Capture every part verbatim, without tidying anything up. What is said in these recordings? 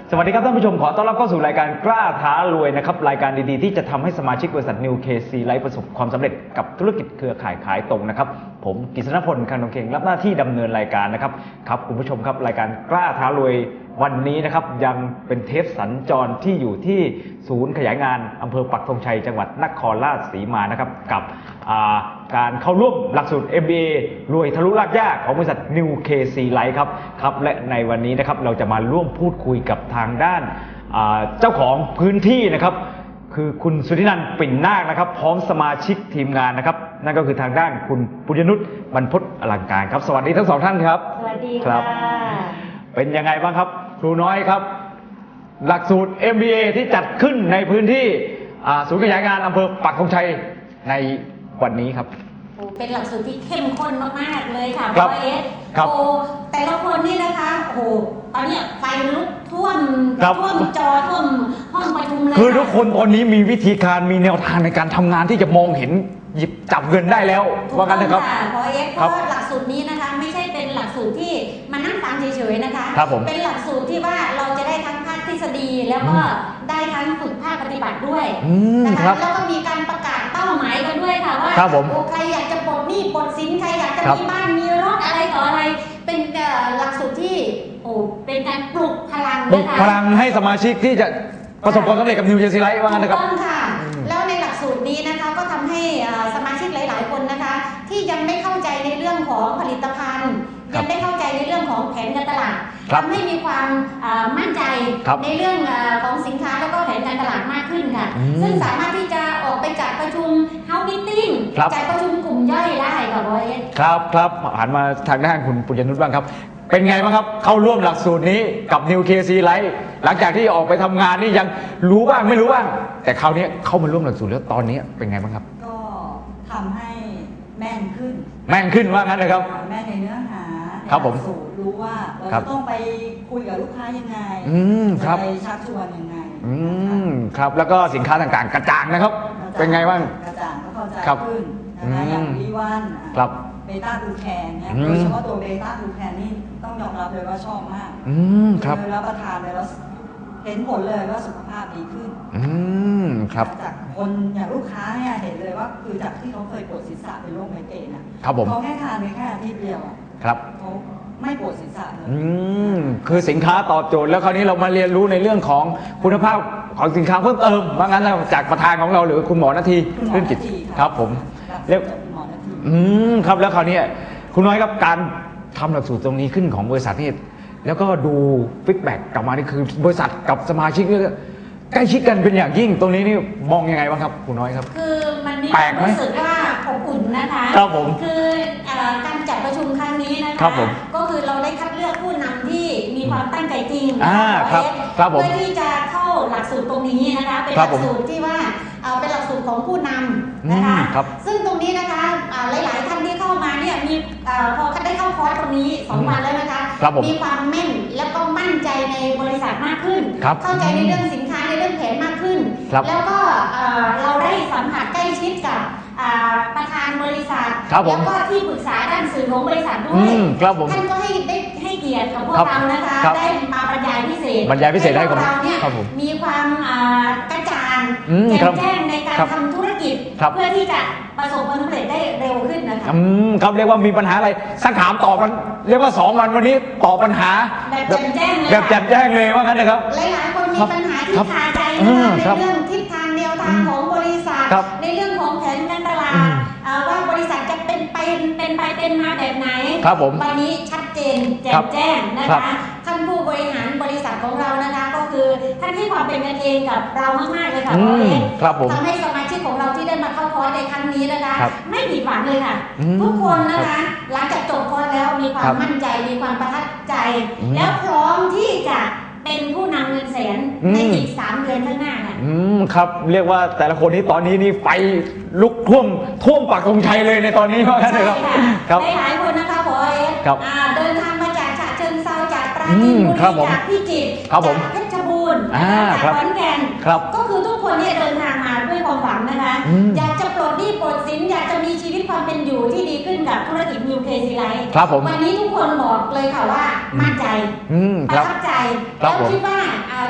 สวัสดีครับท่านผู้ชมขอต้อนรับเข้าสู่รายการกล้าท้ารวยนะครับรายการดีๆที่จะทำให้สมาชิกบริษัท New เค ซี Life ประสบความสำเร็จกับธุรกิจเครือข่ายขายตรงนะครับผมกฤษณพลคันธงเข่งรับหน้าที่ดำเนินรายการนะครับครับคุณผู้ชมครับรายการกล้าท้ารวยวันนี้นะครับยังเป็นเทปสัญจรที่อยู่ที่ศูนย์ขยายงานอำเภอปักธงชัยจังหวัดนครราชสีมานะครับกับการเข้าร่วมหลักสูตร เอ็ม บี เอ รวยทะลุรากหญ้าของบริษัท New เค ซี Life ครับครับและในวันนี้นะครับเราจะมาร่วมพูดคุยกับทางด้านเจ้าของพื้นที่นะครับคือคุณสุธินันท์ปิ่นนาคนะครับพร้อมสมาชิกทีมงานนะครับนั่นก็คือทางด้านคุณปุญญนุชบรรพตอลังการครับสวัสดีทั้งสองท่านครับสวัสดีค่ะเป็นยังไงบ้างครับครูน้อยครับหลักสูตร เอ็ม บี เอ ที่จัดขึ้นในพื้นที่ศูนย์ขยายงานอำเภอปักธงชัยในวันนี้ครับเป็นหลักสูตรที่เข้มข้นมากๆเลยค่ะพ่อเอสโอ้แต่ละคนนี่นะคะโอ้โหตอนนี้ไฟลุกท่วมท่วมจอท่วมห้องประชุมเลยคือทุกคนตอนนี้มีวิธีการมีแนวทางในการทำงานที่จะมองเห็นหยิบจับเงินได้แล้วว่ากันนะครับพอเอสเพราะหลักสูตรนี้นะคะไม่ใช่เป็นหลักสูตรที่มานั่งฟังเฉยๆนะคะเป็นหลักสูตรที่ว่าเราจะได้ทั้งภาคทฤษฎีแล้วก็ได้ทั้งฝึกภาคปฏิบัติด้วยนะคะแล้วก็มีการประกาศเป้าหมายกันด้วยค่ะว่าใครอยากจะปลดหนี้ปลดสินใครอยากจะมีบ้านมีรถอะไรต่ออะไรเป็นหลักสูตรที่โอ้เป็นการปลุกพลังปลุกพลังให้สมาชิกที่จะประสบความสำเร็จกับ New เค ซี Life ว่างั้นนะครับถูกต้องค่ะแล้วในหลักสูตรนี้นะคะก็ทำให้สมาชิกหลายๆคนนะคะที่ยังไม่เข้าใจในเรื่องของผลิตภัณฑ์ยังไม่เข้าใจในเรื่องของแผนการตลาดทำให้มีความมั่นใจในเรื่องของสินค้าแล้วก็แผนการตลาดมากขึ้นค่ะซึ่งสามารถที่จะออกไปจัดประชุม House Meeting จัดประชุมกลุ่มย่อยได้ค่ะบอยครับครับหันมาทางด้านคุณปุญญนุชบ้างครับเป็นไงบ้างครับเข้าร่วมหลักสูตรนี้กับ New เค ซี Life หลังจากที่ออกไปทำงานนี่ยังรู้บ้างไม่รู้บ้างแต่คราวนี้เข้ามาร่วมหลักสูตรแล้วตอนนี้เป็นไงบ้างครับก็ทำให้แม่นขึ้นแม่นขึ้นว่างั้นนะครับแม่นในเนื้อหาครับผมสูตรรู้ว่าเราจะต้องไปคุยกับลูกค้ายังไงจะไปชักชวนยังไงอืมครับแล้วก็สินค้าต่างๆกระจ่างนะครับเป็นไงบ้างกระจ่างก็เข้าใจขึ้นนะคะอย่างวีวันครับเบต้ากูแคนเนี่ยโดยเฉพาะตัวเบต้ากูแคนนี่ต้องยอมรับเลยว่าชอบมากอืมครับรับประทานเลยแล้วเห็นผลเลยว่าสุขภาพดีขึ้นอืมครับจากคนอย่างลูกค้าเนี่ยเห็นเลยว่าคือจากที่เขาเคยปวดศีรษะเป็นโรคไมเกรนนะครับผมเขาแค่ทานไปแค่อาทิตย์เดียวครับเขาไม่ปวดศีรษะเลยอืมคือสินค้าตอบโจทย์แล้วคราวนี้เรามาเรียนรู้ในเรื่องของคุณภาพของสินค้าเพิ่มเติมว่างั้นแล้วจากประธานของเราหรือคุณหมอนาทีรื่นจิตครับผมเรียกอืมครับแล้วคราวนี้คุณน้อยครับการทำหลักสูตรตรงนี้ขึ้นของบริษัทนี่แล้วก็ดูฟีดแบ็กกลับมานี่คือบริษัทกับสมาชิกนี่ใกล้ชิดกันเป็นอย่างยิ่งตรงนี้นี่มองยังไงบ้างครับคุณน้อยครับคือมันมีความรู้สึกว่าอบอุ่นนะคะครับผมคือการจัดประชุมครั้งนี้นะคะก็คือเราได้คัดเลือกผู้นำที่มีความตั้งใจจริงเพื่อที่จะเข้าหลักสูตรตรงนี้นะคะเป็นหลักสูตรที่ว่าเป็นหลักสูตรของผู้นำนะคะซึ่งตรงนี้นะคะหลายๆท่านที่เข้ามาเนี่ยมีพอได้เข้าคอร์สตรงนี้สองวันแล้วนะคะมีความแม่นแล้วก็มั่นใจในบริษัทมากขึ้นเข้าใจในเรื่องสินค้าในเรื่องแผนมากขึ้นแล้วก็เราได้สัมผัสใกล้ชิดกับประธานบริษัทแล้วก็ที่ปรึกษาด้านสื่อของบริษัทด้วยท่านก็ให้ได้ให้เกียรติกับพวกเรานะคะได้มาบรรยายพิเศษบรรยายพิเศษให้กับเราเนี่ยมีความกระจ่างแจ่มแจ้งในการทำธุรกิจเพื่อที่จะประสบความสำเร็จได้เร็วขึ้นนะคะอืมครับเรียกว่ามีปัญหาอะไรสักถามตอบกันเรียกว่าสองวันวันนี้ตอบปัญหาแบบแจ่มแจ้งเลยแบบแจ่มแจ้งเลยว่างั้นนะครับหลายๆคนมีปัญหาที่คาใจในเรื่องทิศทางแนวทางของบริษัทในเรื่องของแผนการตลาดว่าบริษัทจะเป็นไปเป็นไปเป็นมาแบบไหนวันนี้ชัดเจนแจ่มแจ้งนะคะท่านผู้บริหารบริษัทของเรานะคะก็คือท่านให้ความเป็นกันเองกับเรามากๆเลยค่ะทำให้สมาชิกของเราที่ได้มาเข้าคอร์สในครั้งนี้นะคะไม่ผิดหวังเลยค่ะทุกคนนะคะหลังจากจบคอร์สแล้วมีความมั่นใจมีความประทับใจแล้วพร้อมที่จะเป็นผู้นำเงินแสนในอีกสามเดือนข้างหน้าค่ะอืมครับเรียกว่าแต่ละคนนี้ตอนนี้นี่ไฟลุกท่วมท่วมปักธงชัยเลยในตอนนี้ว่างั้นเลยครับครับหลายคนนะคะพอเอสเดินทางมาจากฉะเชิงเทราจากปราจีนบุรีจากพิจิตรจากเพชรบูรณ์จากขอนแก่นก็คือทุกคนเนี่ยเดินทางมาด้วยความหวังนะคะอยากจะปลดหนี้ปลดสินอยากจะมีชีวิตความเป็นอยู่ที่ดีขึ้นกับธุรกิจ New เค ซี Life วันนี้ทุกคนบอกเลยค่ะว่ามั่นใจประทับใจแล้วคิดว่า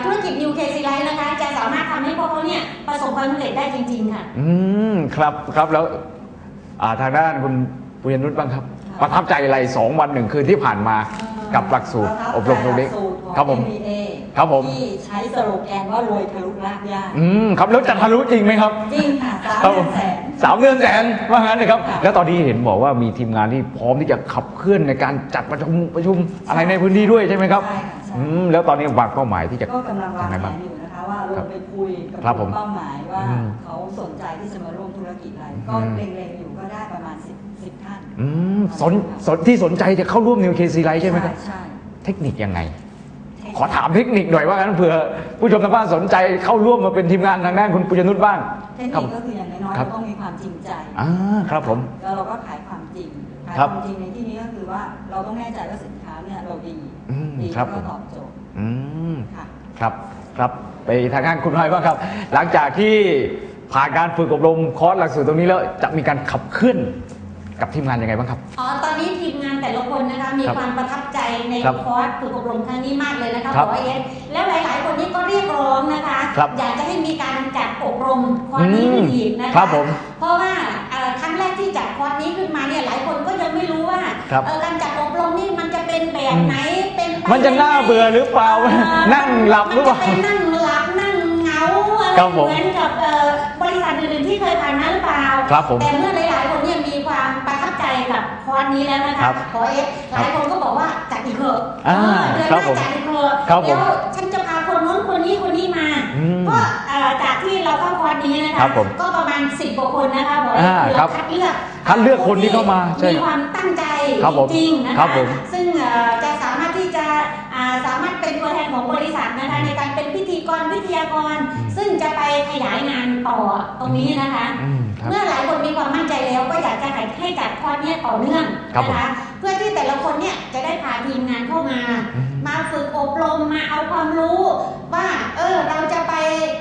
ธุรกิจ New เค ซี Life นะคะจะสามารถทำให้พวกเขาเนี่ยประสบความสำเร็จได้จริงๆค่ะอืมครับครับแล้วทางด้านคุณปุญญนุชบ้างครับประทับใจอะไรสองวันหนึ่งคืนที่ผ่านมากับหลักสูตรอบรมตรงนี้ครับผมครับผมที่ใช้สโลแกนว่ารวยทะลุรากหญ้าอืมครับแล้วจะทะลุจริงไหมครับจริงค่ะสามเดือนแสนสามเดือนแสนว่างั้นเลยครับแล้วตอนนี้เห็นบอกว่ามีทีมงานที่พร้อมที่จะขับเคลื่อนในการจัดประชุมประชุมอะไรในพื้นที่ด้วยใช่ไหมครับใช่อืมแล้วตอนนี้วางเป้าหมายที่จะก็กำลังวางแผนอยู่นะคะว่าเราไปคุยกับเป้าหมายว่าเขาสนใจที่จะมาร่วมธุรกิจอะไรก็เล็งๆอยู่ก็ได้ประมาณสิบสิบท่านอืมสนสนที่สนใจจะเข้าร่วม New เค ซี Life ใช่ไหมครับใช่เทคนิคยังไงขอถามเทคนิคหน่อยว่างั้นเผื่อผู้ชมทางบ้านสนใจเข้าร่วมมาเป็นทีมงานทางด้านคุณปุญญนุชบ้างเทคนิคก็คืออย่างน้อยๆเราต้องมีความจริงใจอ่าครับผมแล้วเราก็ขายความจริงขายความจริงในที่นี้ก็คือว่าเราต้องแน่ใจว่าสินค้าเนี่ยเราดีดีแล้วก็ตอบโจทย์อืมครับครับไปทางด้านคุณน้อยบ้างครับหลังจากที่ผ่านการฝึกอบรมคอร์สหลักสูตรตรงนี้แล้วจะมีการขับเคลื่อนกับทีมงานยังไงบ้างครับอ๋อตอนนี้ทีมงานแต่ละคนนะคะมีความประทับใจในคอร์สฝึกอบรมครั้งนี้มากเลยนะคะขอเอสแล้วหลายๆคนนี้ก็เรียกร้องนะคะอยากจะให้มีการจัดอบรมคอร์สนี้ขึ้นอีกนะคะเพราะว่าครั้งแรกที่จัดคอร์สนี้ขึ้นมาเนี่ยหลายคนก็ยังไม่รู้ว่าการจัดอบรมนี่มันจะเป็นแบบไหนเป็นมันจะน่าเบื่อหรือเปล่านั่งหลับหรือเปล่านั่งหลับนั่งเหงาอะไรเหมือนกับบริษัทอื่นๆที่เคยผ่านมาหรือเปล่าแต่เมื่อหลายๆคนเนี่ยมีความประทับใจกับคอร์สนี้แล้วนะคะขอเอสหลายคนก็บอกว่าจัดอีกเถอะเดือนหน้าจัดอีกเถอะแล้วฉันจะพาคนนู้นคนนี้คนนี้มาก็จากที่เราเข้าคอร์สนี้นะคะก็ประมาณสิบกว่าคนนะคะบอกว่าเราคัดเลือกคัดเลือกคนที่เข้ามามีความตั้งใจจริงๆนะคะซึ่งจะสามารถที่จะสามารถเป็นตัวแทนของบริษัทนะคะในการเป็นพิธีกรวิทยากรซึ่งจะไปขยายงานต่อตรงนี้นะคะเมื่อหลายคนมีความมั่นใจแล้วก็อยากจะให้จัดคอร์สนี้ต่อเนื่องนะคะเพื่อที่แต่ละคนเนี่ยจะได้พาทีมงานเข้ามามาฝึกอบรมมาเอาความรู้ว่าเออเราจะไป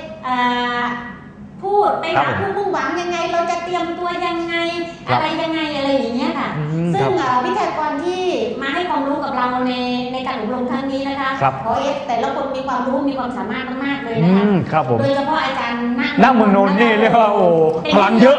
พูดไปหาผู้มุ่งหวังยังไงเราจะเตรียมตัวยังไงอะไรยังไงอะไรอย่างเงี้ยค่ะซึ่งวิทยากรที่มาให้ความรู้กับเราในในการอบรมครั้งนี้นะคะเพราะเอสแต่ละคนมีความรู้มีความสามารถมากๆเลยนะคะโดยเฉพาะอาจารย์นั่งเมืองนนท์นี่เรียกว่าโอ้พลังเยอะ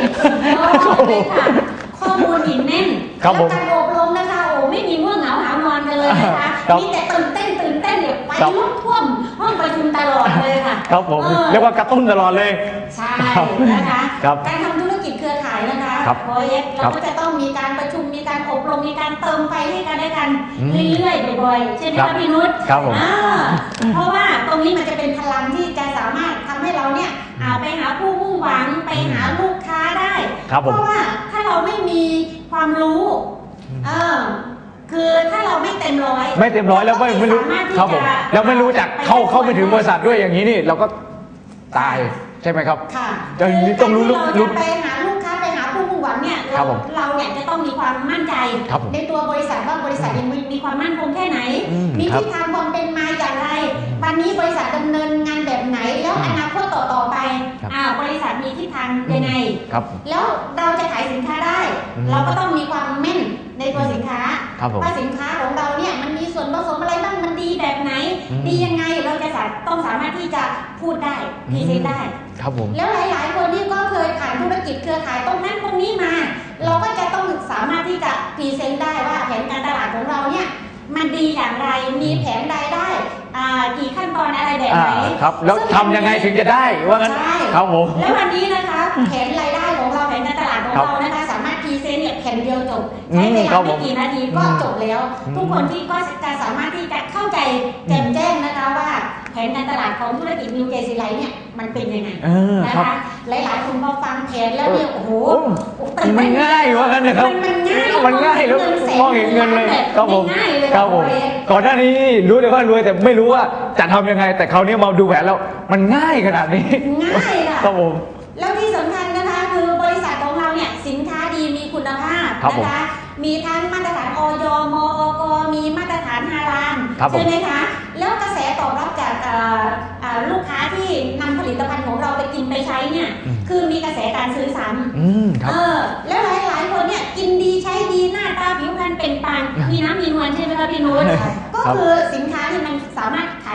ข้อมูลหินแน่นแล้วการอบรมนะคะโอ้ไม่มีง่วงเหงาหานอนกันเลยนะคะมีแต่ตื่นเต้นตื่นเต้นเนี่ยไปลุกท่วมห้องประชุมตลอดเลยค่ะครับผมเรียกว่ากระตุ้นตลอดเลยใช่นะคะการทำธุรกิจเครือข่ายนะคะโปรเจกต์เราก็จะต้องมีการประชุมมีการอบรมมีการเติมไฟให้กันได้กันเรื่อยๆบ่อยๆใช่ไหมคะพี่นุชเพราะว่าตรงนี้มันจะเป็นพลังที่จะสามารถทำให้เราเนี่ยไปหาผู้มุ่งหวังไปหาลูกค้าได้เพราะว่าถ้าเราไม่มีความรู้เออคือถ้าเราไม่เต็มร้อยไม่เต็มร้อยแล้วไม่ไม่รู้ครับผมแล้วไม่รู้จักเข้าเข้าไปถึงบริษัทด้วยอย่างนี้นี่เราก็ตายใช่ไหมครับค่ะต้องรู้รู้ไปหาลูกค้าไปหาผู้มุ่งหวังเนี่ยเราเราเนี่ยจะต้องมีความมั่นใจในตัวบริษัทว่าบริษัทยังมีความมั่นคงแค่ไหนมีทิศทางความเป็นมาอย่างไรวันนี้บริษัทดำเนินงานแบบไหนแล้วอนาคตต่อต่อไปอ่าบริษัทมีทิศทางยังไงแล้วเราจะขายสินค้าได้เราก็ต้องมีความแม่นในตัวสินค้าว่าสินค้าของเราเนี่ยมันมีส่วนผสมอะไรบ้างมันดีแบบไหนดียังไงเราจะต้องสามารถที่จะพูดได้พรีเซนต์ได้แล้วหลายๆคนที่ก็เคยผ่านธุรกิจเครือข่ายตรงนั้นตรงนี้มาเราก็จะต้องสามารถที่จะพรีเซนต์ได้ว่าแผนการตลาดของเราเนี่ยมันดีอย่างไรมีแผนรายได้กี่ขั้นตอนอะไรแบบไหนครับแล้วทำยังไงถึงจะได้ว่างั้นครับผมแล้ววันนี้นะคะแผนรายได้ของเราแผนการตลาดของเรานะคะสามารถพรีเซนต์เนี่ยแผ่นเดียวจบใช้เวลาไม่กี่นาทีก็จบแล้วทุกคนที่ก็จะสามารถที่จะเข้าใจแจ่มแจ้งนะคะว่าแผนการตลาดของธุรกิจ New เค ซี Life เนี่ยมันเป็นยังไงนะคะหลายๆคนพอฟังแผนแล้วเนี่ยโอ้โหมันง่ายว่างั้นนะครับมันง่ายแล้วมองเห็นเงินเลยครับผมครับผมก่อนหน้านี้รู้แต่ว่ารวยแต่ไม่รู้ว่าจะทำยังไงแต่คราวนี้มาดูแผนแล้วมันง่ายขนาดนี้ง่ายค่ะครับผมแล้วที่สำคัญนะคะคือบริษัทของเราเนี่ยสินค้าดีมีคุณภาพนะคะมีทั้งมาตรฐานอย มอกมีมาตรฐานฮาลาลใช่ไหมคะแล้วกระแสตอบรับจากลูกค้าที่นำผลิตภัณฑ์ของเราไปกินไปใช้เนี่ยคือมีกระแสการซื้อซ้ำเออแล้วหลายๆคนเนี่ยกินดีใช้ดีหน้าตาผิวพรรณเป็นปังมีน้ำมีนวลใช่ไหมคะพี่นุชก็คือสินค้าที่มันสามารถขายตัวเองได้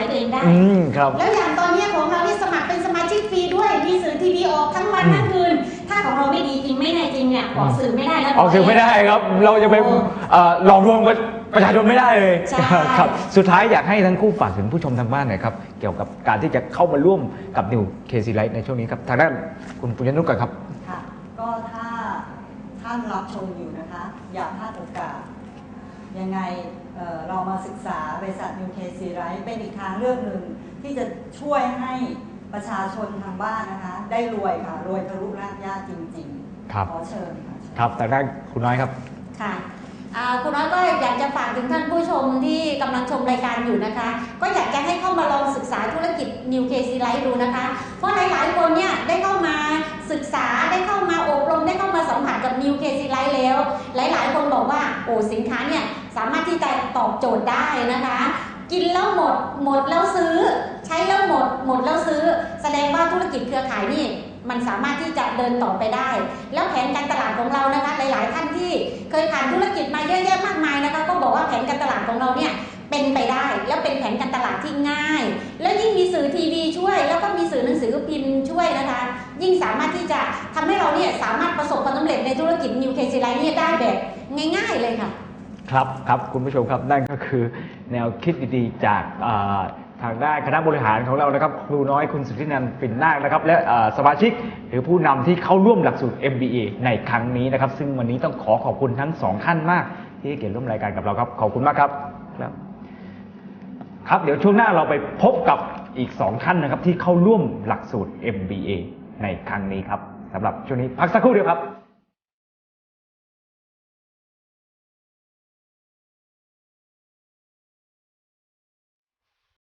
อืมครับแล้วอย่างตอนนี้ของเราที่สมัครเป็นสมาชิกฟรีด้วยมีสื่อทีวีออกทั้งวันทั้งคืนถ้าของเราไม่ดีจริงไม่แน่จริงเนี่ยออกสื่อไม่ได้แล้วออกสื่อไม่ได้ครับ เราจะไปเอ่อหลอกลวงประชาชนไม่ได้เลยใช่ครับสุดท้ายอยากให้ทั้งคู่ฝากถึงผู้ชมทางบ้านหน่อยครับเกี่ยวกับการที่จะเข้ามาร่วมกับนิวเคซีไลท์ในช่วงนี้ครับทางด้านคุณปุญญนุชก่อนครับค่ะก็ถ้าท่านรับชมอยู่นะคะ อย่าพลาดโอกาส ยังไงเอ่อเรามาศึกษาบริษัท นิว เค ซี Life เป็นอีกทางเลือกหนึ่งที่จะช่วยให้ประชาชนทางบ้านนะคะ ได้รวยค่ะ รวยทะลุรากหญ้าจริงๆครับขอเชิญค่ะครับทางด้านคุณน้อยครับค่ะอ่าคุณน้อยก็อยากจะฝากถึงท่านผู้ชมที่กำลังชมรายการอยู่นะคะ ก็อยากจะให้เข้ามาลองศึกษาธุรกิจ นิว เค ซี Life ดูนะคะ เพราะหลายๆคนเนี่ยได้เข้ามาศึกษาได้เข้ามาอบรมได้เข้ามาสัมผัสกับ นิว เค ซี Life แล้ว หลายๆ คนบอกว่าโอ้สินค้าเนี่ยสามารถที่จะตอบโจทย์ได้นะคะ กินแล้วหมดหมดแล้วซื้อ ใช้แล้วหมดหมดแล้วซื้อ แสดงว่าธุรกิจเครือข่ายนี่มันสามารถที่จะเดินต่อไปได้ แล้วแผนการตลาดของเรานะคะ หลายๆท่านที่เคยผ่านธุรกิจมาเยอะแยะมากมายนะคะ ก็บอกว่าแผนการตลาดของเราเนี่ยเป็นไปได้ แล้วเป็นแผนการตลาดที่ง่าย แล้วยิ่งมีสื่อทีวีช่วย แล้วก็มีสื่อหนังสือพิมพ์ช่วยนะคะ ยิ่งสามารถที่จะทำให้เราเนี่ยสามารถประสบความสำเร็จในธุรกิจ นิว เค ซี Life เนี่ยได้แบบง่าย ๆเลยค่ะครับครับคุณผู้ชมครับนั่นก็คือแนวคิดดีๆจากอ่าทางด้านคณะบริหารของเรานะครับครูน้อยคุณสุทธินันท์ปิ่นนาคนะครับและอ่าสมาชิกหรือผู้นำที่เข้าร่วมหลักสูตร เอ็ม บี เอ ในครั้งนี้นะครับซึ่งวันนี้ต้องขอขอบคุณทั้งสองท่านมากที่ให้เกียรติร่วมรายการกับเราครับขอบคุณมากครับครับครับเดี๋ยวช่วงหน้าเราไปพบกับอีกสองท่านนะครับที่เข้าร่วมหลักสูตร เอ็ม บี เอ ในครั้งนี้ครับสำหรับช่วงนี้พักสักครู่เดียวครับ